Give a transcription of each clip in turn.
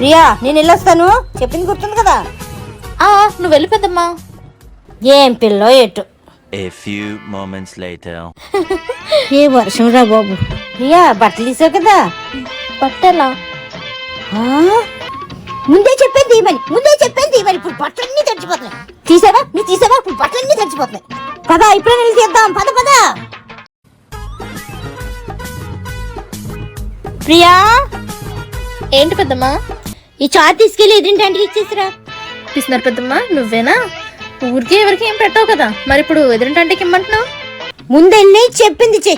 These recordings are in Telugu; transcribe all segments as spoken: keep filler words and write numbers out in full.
ప్రియా నేను వెళ్ళొస్తాను, చెప్పింది గుర్తుంది కదా. ఆ నువ్వు వెళ్ళి పెద్దమ్మా. ఏం పిల్లో ఎటు. A few moments later. ఏ వర్షం రా బాబు. ప్రియా బట్టలు తీసావు కదా. బట్టలా? ముందే చెప్పేది తీయమని, ముందే చెప్పేది తీయమని. ఇప్పుడు బట్టలన్నీ తడిచిపోతున్నాయి. తీసావా నువ్వు తీసావా? ఇప్పుడు బట్టలన్నీ తడిచిపోతున్నాయి. పదా ఇప్పుడే వెళ్ళి తీద్దాం. పద పద. ప్రియా ఏంటి పెద్దమ్మా? ఈ చాట్ తీసుకెళ్ళి ఎదురింటి ఇచ్చేసిరా. తీసినారు పెద్దమ్మా. నువ్వేనా? ఊరికే ఎవరికి ఏం పెట్టావు కదా, మరి ఇప్పుడు ఎదురింటంటే ఇమ్మంటున్నావు? ముందెళ్ళి చెప్పింది చెయ్యి.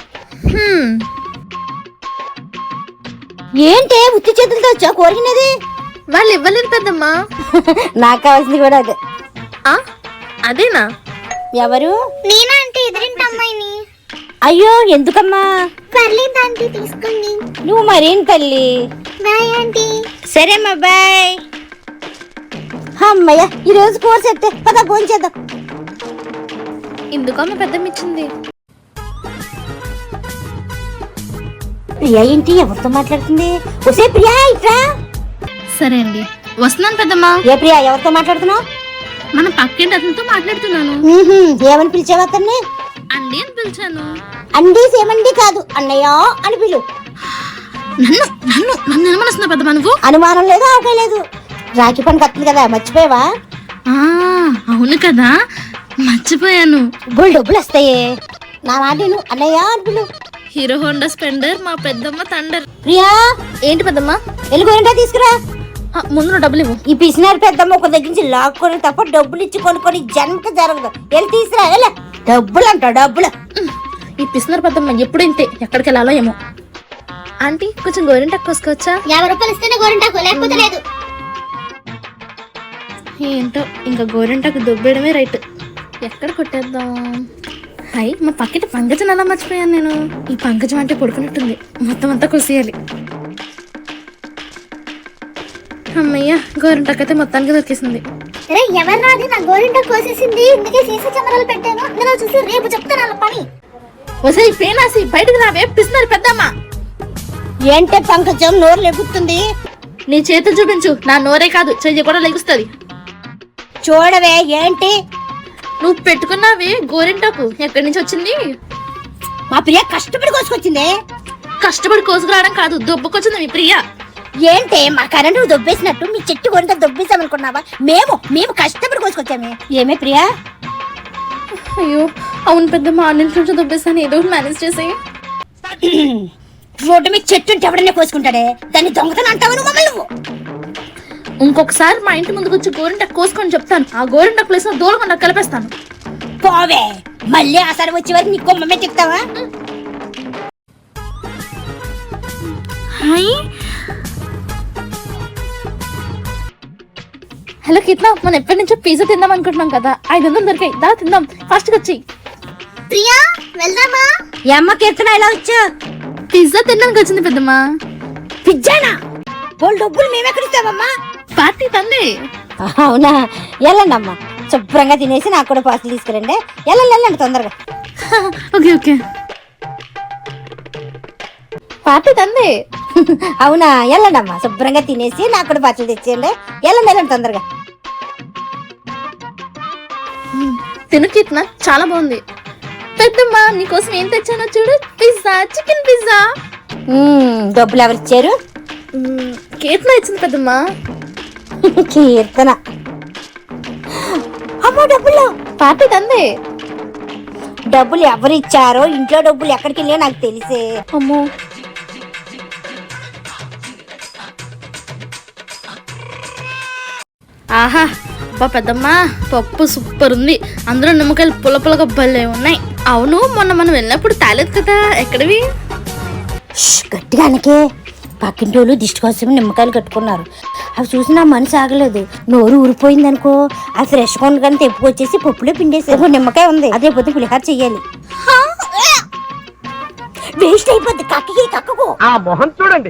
ఏంటే ఉత్తి చేతులతో వచ్చా కోరినది? వాళ్ళు ఇవ్వలేదు పెద్దమ్మా. నాకు కావాల్సింది కూడా అదే. ఆ అదేనా? ఎవరు? నేనా అంటే ఎదురింటి అమ్మాయిని. అయ్యో ఎందుకమ్మా? పర్లేదు ఆంటీ తీసుకోండి. నువ్వు మరేం తల్లి. Bye aunty. సరేమ్మా బాయ్. అమ్మయ్య ఈ రోజు కోర్స్ ఎత్తే పద ఫోన్ చేద్దాం. ఎందుకమ్మ పెద్దమ్మ ఇచ్చింది? ప్రియా ఏంటి ఎవరితో మాట్లాడుతుంది? ఒసే ప్రియా ఇట్రా. సరే అండి వస్తున్నాను పెద్దమ్మా. ఏ ప్రియా ఎవరితో మాట్లాడుతున్నావు? మన పక్కింటి అతనితో మాట్లాడుతున్నాను. ఏమని పిలిచావు అతన్ని? అండి అని పిలిచాను. అండి సేమండి కాదు అన్నయ్య అని పిలు. నన్ను నన్ను నన్ను ఏమనిస్తున్నా పెద్దమ్మా నువ్వు? అనుమానం లేదు ఆకే లేదు. రాఖీ పండుగ వస్తుంది కదా మర్చిపోయావా? అవును కదా మర్చిపోయాను. బోల్ డబ్బులు వస్తాయే. నా నాటిను అన్నయ్య అని పిలు. హీరో హోండా స్పెండర్ మా పెద్దమ్మ తండర్. ప్రియా ఏంటి పెద్దమ్మా? ఎలుగుంటా తీసుకురా. ముందు నువ్వు డబ్బులు ఇవ్వు. ఈ పిసినారు పెద్దమ్మ ఒక దగ్గర నుంచి లాక్కొని తప్ప డబ్బులు ఇచ్చి కొనుక్కొని జన్మకి జరగదు. వెళ్ళి తీసుకురా. వెళ్ళ డబ్బులు అంట డబ్బులు. ఈ పిసినారు పెద్దమ్మ ఎప్పుడు ఇంతే, ఎక్కడికి వెళ్ళాలో ఏమో. ఆంటీ కొంచెం గోరింటాకు కోసుకోవచ్చా? యాభై రూపాయలు ఇస్తేనే గోరింటాకు, లేకపోతే లేదు. ఏంటో ఇంకా గోరింటాకు దుబ్బేయడమే రైట్. ఎక్కడ కొట్టేద్దాం? హాయ్ మా పక్కటి పంకజం అలా మర్చిపోయాను నేను. ఈ పంకజం అంటే పడుకున్నట్టుంది, మొత్తం అంతా కొసేయాలి. అమ్మయ్య గోరింటాకు అయితే మొత్తానికి దొరికేసింది. రే ఎవరు రాది నా గోరింటాకు కోసేసింది. ఇందుకే సీసీ కెమెరాలు పెట్టాను. అందులో చూసి రేపు చెప్తాను వాళ్ళ పని. వసై పేనాసి బయటకు రావే పిస్తున్నారు పెద్దమ్మ. ఏంటే పంకజం నోరు లెగుతుంది? నీ చేతులు చూపించు. నా నోరే కాదు చెయ్యి కూడా లెగుస్తుంది. చూడవే ఏంటి నువ్వు పెట్టుకున్నావే గోరింటాకు ఎక్కడి నుంచి వచ్చింది? మా ప్రియ కష్టపడి కోసుకొచ్చిందే. కష్టపడి కోసుకురావడం కాదు, దొబ్బకొచ్చింది మీ ప్రియ. ఏంటే మా కరెంటు దొబ్బేసినట్టు మీ చెట్టు కొనిత దొబ్బేసామనుకున్నావా? మేము మేము కష్టపడి కోసుకొచ్చామే. ఏమే ప్రియా? అయ్యో అవును పెద్దమ్మ, అన్నింటి నుంచి దొబ్బేసాను. ఏదో ఒకటి మేనేజ్ చేసి. రోడ్డు మీద చెట్టు ఉంటే ఎవడనే కోసుకుంటాడే, దాన్ని దొంగతనం అంటావు నువ్వు మమ్మల్ని నువ్వు. ఇంకొకసారి మా ఇంటి ముందుకు వచ్చి గోరింటాకు కోసుకొని చెప్తాను. ఆ గోరింటాకు ప్లేస్ లో దూరంగా కలిపేస్తాను. పోవే, మళ్ళీ ఆసారి వచ్చే వరకు నీ కొమ్మమే చెప్తావా? హాయ్ హలో కిట్నా, మనం ఎప్పటి నుంచో పిజ్జా తిందాం అనుకుంటున్నాం కదా, ఐదు వందలు దొరికాయి. దా తిందాం, ఫాస్ట్ గా వచ్చి. ప్రియా వెళ్దామా? ఈ అమ్మ కీర్తన ఇలా వచ్చా? పిజ్జా తినడానికి వచ్చింది పెద్దమ్మా. పిజ్జానా? పోల్ డబ్బులు మేమెక్కడిస్తామమ్మా? పార్టీ తందే. అవునా, వెళ్ళండి అమ్మా, శుభ్రంగా తినేసి నాకు కూడా పార్సల్ తీసుకురండి. వెళ్ళండి వెళ్ళండి తొందరగా. ఓకే ఓకే పార్టీ తందే. అవునా, వెళ్ళండి అమ్మా, శుభ్రంగా తినేసి నాకు కూడా పార్సల్ తెచ్చేయండి. వెళ్ళండి వెళ్ళండి తొందరగా. తిను కిట్నా, చాలా బాగుంది. పెద్దమ్మా నీకోసం ఏం తెచ్చానో చూడు, పిజ్జా, చికెన్ పిజ్జా. డబ్బులు ఎవరు ఇచ్చారు? కీర్తన ఇచ్చింది పెద్దమ్మా. కీర్తన? అమ్మో డబ్బులు. పార్టీ తందే. డబ్బులు ఎవరు ఇచ్చారో, ఇంట్లో డబ్బులు ఎక్కడికి వెళ్ళాయో నాకు తెలిసే. అమ్మో ఆహా అబ్బా పెద్దమ్మా, పప్పు సూపర్ ఉంది. అందులో నిమ్మకాయలు పుల్ల పుల్లగా భలే ఉన్నాయి. అవును మొన్న మనం వెళ్ళినప్పుడు తాలేదు కదా, ఎక్కడివి? గట్టిగానకే పక్కింటి వాళ్ళు దిష్టి కోసం నిమ్మకాయలు కట్టుకున్నారు. అవి చూసి నా మనసు ఆగలేదు. నోరు ఊరిపోయింది అనుకో. ఆ ఫ్రెష్ కొండ కానీ తెప్పుకొచ్చేసి పప్పులో పిండేసి నిమ్మకాయ ఉంది, అదే పొద్దు పులిహార చెయ్యాలి. వేస్ట్ అయిపోద్ది. కక్కకి కక్కకు ఆ మొహం చూడండి,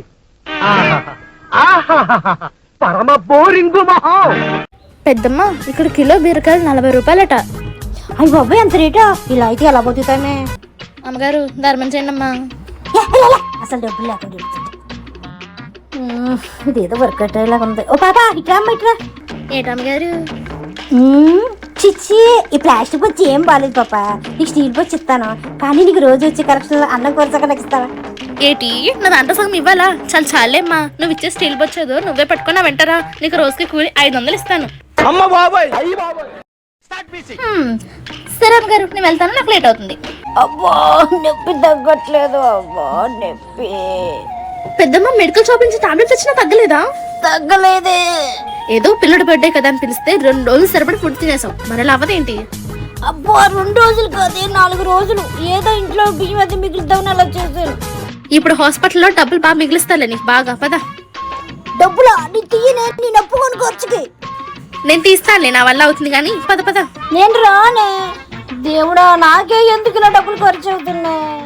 పరమ బోరింగు మొహం. పెద్దమ్మ ఇక్కడ కిలో బీరకాయలు నలభై రూపాయలట. అయ్యి బాబాయ్ అంత రేటా? ఇలా అయితే ఎలా బతుకుతామే? అమ్మగారు ధర్మం చేయండి అమ్మా. అసలు డబ్బులు లేకుండా మ్మ్, ఇదేదో వర్కౌట్ అయ్యేలాగా ఉంది. ఓ పాప ఇట్రా అమ్మ ఇట్రా. ఏటమ్మగారు మ్మ్, చిచ్చి ఈ ప్లాస్టిక్ వచ్చి ఏం బాగాలేదు పాప. నీకు స్టీల్ వచ్చి ఇస్తాను, కానీ నీకు రోజు వచ్చి కరెక్షన్ అన్నం కొరసగా నాకు ఇస్తావా? ఏటి నా దాంట్లో సగం ఇవ్వాలా? చాలా చాలేమ్మా, నువ్వు ఇచ్చే స్టీల్ బొచ్చదు నువ్వే పట్టుకున్నా వెంటరా. నీకు రోజుకి కూలి ఐదు వందలు ఇస్తాను. అమ్మ బాబాయ్ అయ్యి బాబాయ్ హ్మ్, సరే అమ్మగారు నేను వెళ్తాను, నాకు లేట్ అవుతుంది. అబ్బా నొప్పి తగ్గట్లేదు. అబ్బా నొప్పి పెద్దమ్మ మెడికల్ షాప్ నుంచి టాబ్లెట్స్ వచ్చినా తగ్గలేదా? తగ్గలేదే. ఏదో పిల్లడి బర్త్డే కదా అని పిలిస్తే రెండు రోజులు సరిపడి ఫుడ్ తినేసాం, మరి అలా అవ్వదేంటి? అబ్బా రెండు రోజులు కాదే నాలుగు రోజులు. ఏదో ఇంట్లో బియ్యం అది మిగులుతామని అలా చేశాను. ఇప్పుడు హాస్పిటల్లో డబ్బులు బాగా మిగిలిస్తాలే నీకు బాగా. పదా డబ్బులా నీ తీయనే, నేను అప్పుకొని ఖర్చుకి. నేను తీస్తానులే, నా వల్ల అవుతుంది కానీ పద పద. నేను రానే. దేవుడా నాకే ఎందుకు ఇలా డబ్బులు ఖర్చు అవుతున్నాయి.